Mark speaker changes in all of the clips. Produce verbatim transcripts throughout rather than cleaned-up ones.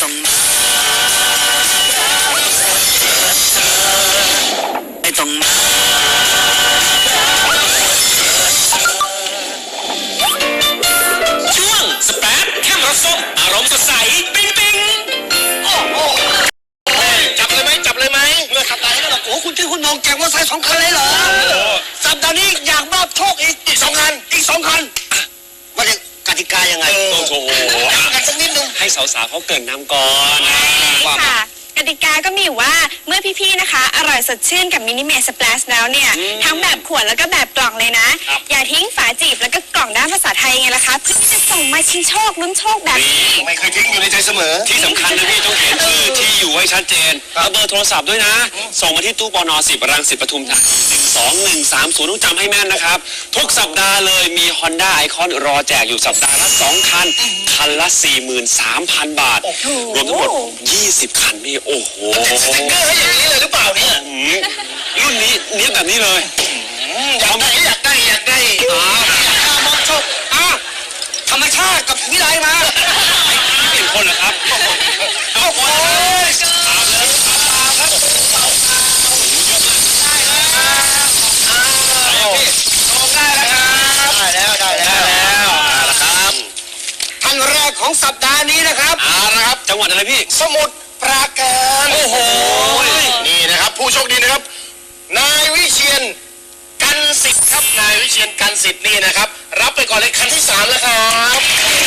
Speaker 1: ต้องมาไม่ต้องมาช่วงสแปดแค่รสส้มอารมณ์สดใสปิ๊งปิ๊งโอ้โหจับเลยไหมจับเลยไหมเมื่อสัปดาห์นี้ก็แบบโอ้คุณชื่อคุณนงแจกมอเตอร์ไซค์สองคันเลยเหรอสัปดาห์นี้อยากมอบโชคอีกอีกสองคันอีกสองคันว่าจะกติกายังไงโอ้โหกันสักนิดนึงให้สาวๆเขาเกินน้ำก่อน
Speaker 2: ค่ะกติกาก็มีอยู่ว่าเมื่อพี่ๆนะคะอร่อยสดชื่นกับมินิเมสสเปลชแล้วเนี่ยทั้งแบบขวดแล้วก็แบบกล่องเลยนะอย่าทิ้งฝาจีบแล้วก็กล่องด้านภาษาไทยไงล่ะคะเพื่อที่จะส่งมาชิงโชคลุ้นโชคแบบนี้
Speaker 1: ไม่เคยทิ้งอยู่ในใจเสมอ
Speaker 3: ที่สำคัญนะพี่ต้องเขียนชื่อที่อยู่ให้ชัดเจนแล้วเบอร์โทรศัพท์ด้วยนะส่งมาที่ตู้ปนสิบรังสิตปทุมธานีหนึ่งสองหนึ่งสามศูนย์ต้องจำให้แม่นนะครับทุกสัปดาห์เลยมี Honda Icon รอแจกอยู่สัปดาห์ละสองคันคันละ สี่หมื่นสามพัน บาทรวมทั้งหมดยี่สิบคันนี่โอ้โห
Speaker 1: สติ๊กเกอร์ให้อย่างนี้เลยหรือเปล่าเนี่ย
Speaker 3: รุ่นนี้เนี้ยแบบนี้เลย
Speaker 1: อยากได้อยากได้อยากได้อยากได้มอบโชคอ่ะธรรมชาติกับวิไลมา
Speaker 3: ไม่เปลี่ยนคนเหรอครับ
Speaker 1: โอ้โหตามเลยตามครับได้แล้วได้แล้วได้แล้วนะครับท่านแรกของสัปดาห์นี้นะครับ
Speaker 3: เอาละครับจังหวัดอะไรพี่
Speaker 1: สมุทรปราการ
Speaker 3: โอ้โห
Speaker 1: นี่นะครับผู้โชคดีนะครับนายวิเชียนกันสิทธิ์ครับนายวิเชียนกันสิทธิ์นี่นะครับรับไปก่อนเลยคันที่สามแล้วครับ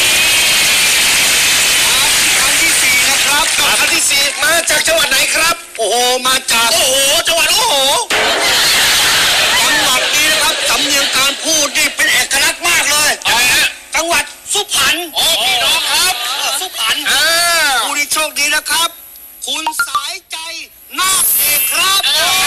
Speaker 1: คันที่สี่นะครับกับคันที่สี่มาจากจังหวัดไหนครับโอ้โหมาจากโอ้โหจังหวัดโอ้โหจังหวัดนี้นะครับสำเนียงการพูดนี่เป็นเอกลักษณ์มากเลยอะไรฮะจังหวัดสุพรรณโอ้พี่น้องครับสุพรรณผู้ที่โชคดีนะครับคุณสายใจนาคเอกครับโอ้โห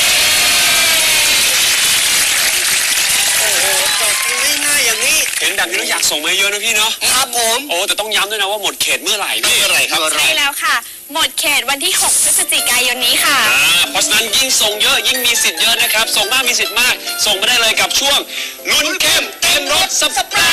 Speaker 1: จบง่ายๆอย่างนี้
Speaker 3: เห็นแบบนี้เราอยากส่งมาเยอะนะพี่เนาะ
Speaker 1: ครับผม
Speaker 3: โอ้แต่ต้องย้ำด้วยนะว่าหมดเขตเมื่อไหร่พี่
Speaker 1: เมื่อไหร่ครับ
Speaker 2: ใช่แล้วค่ะหมดเขตวันที่หกพฤศจิกายนนี้ค่ะ
Speaker 3: เพราะฉะนั้นยิ่งส่งเยอะยิ่งมีสิทธิ์เยอะนะครับส่งมากมีสิทธิ์มากส่งมาได้เลยกับช่วงลุ้นเข้มเต็มรถสปา